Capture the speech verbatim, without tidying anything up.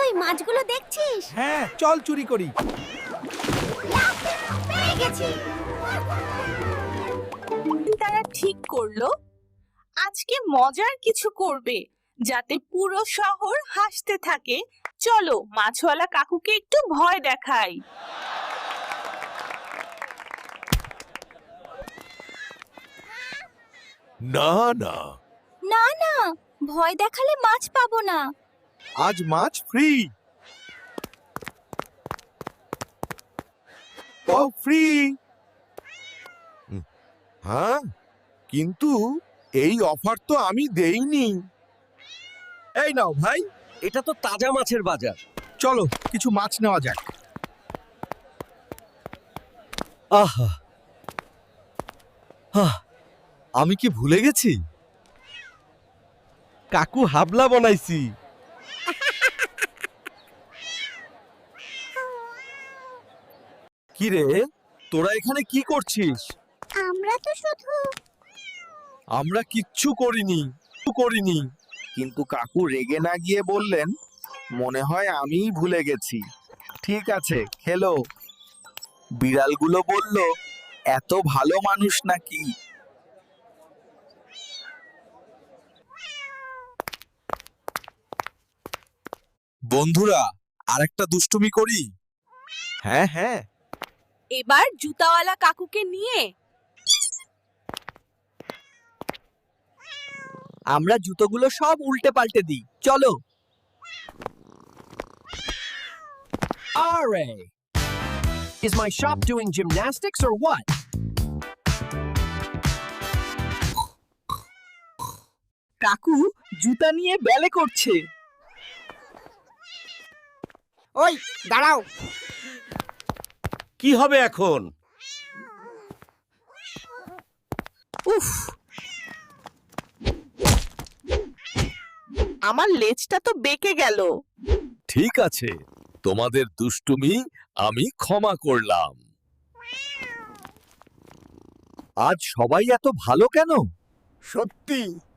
তুই মাছগুলো দেখছিস? হ্যাঁ, চল চুরি করি। পেয়ে গেছি। তারা ঠিক করলো আজকে মজার কিছু করবে যাতে পুরো শহর হাসতে থাকে। চলো মাছওয়ালা কাকুকে একটু ভয় দেখাই। না না, না না, ভয় দেখালে মাছ পাবো না। আজ মাছ ফ্রি। ও ফ্রি। হ্যাঁ, কিন্তু এই অফার তো আমি দেইনি। এই নাও ভাই, এটা তো তাজা মাছের বাজার। চলো কিছু মাছ নেওয়া যাক। আহা আহ, আমি কি ভুলে গেছি? কাকু হাবলা বানাইছি। কি রে, তোরা এখানে কি করছিস? আমরা তো শুধু আমরা কিচ্ছু করিনি করিনি কিন্তু কাকু রেগে না গিয়ে বললেন, মনে হয় আমিই ভুলে গেছি। ঠিক আছে, খেলো। বিড়ালগুলো বলল, এত ভালো মানুষ নাকি? বন্ধুরা, আরেকটা দুষ্টুমি করি। হ্যাঁ হ্যাঁ। এবার জুতাওয়ালা কাকুকে নিয়ে আমরা জুতোগুলো সব উল্টে পাল্টে দিই। চলো। Are! Is my shop doing gymnastics or what? কাকু জুতা নিয়ে ব্যালে করছে। ওই দাঁড়াও, কি হবে এখন? উফ, আমার লেজটা তো বেঁকে গেল। ঠিক আছে, তোমাদের দুষ্টুমি আমি ক্ষমা করলাম। আজ সবাই এত ভালো কেন? সত্যি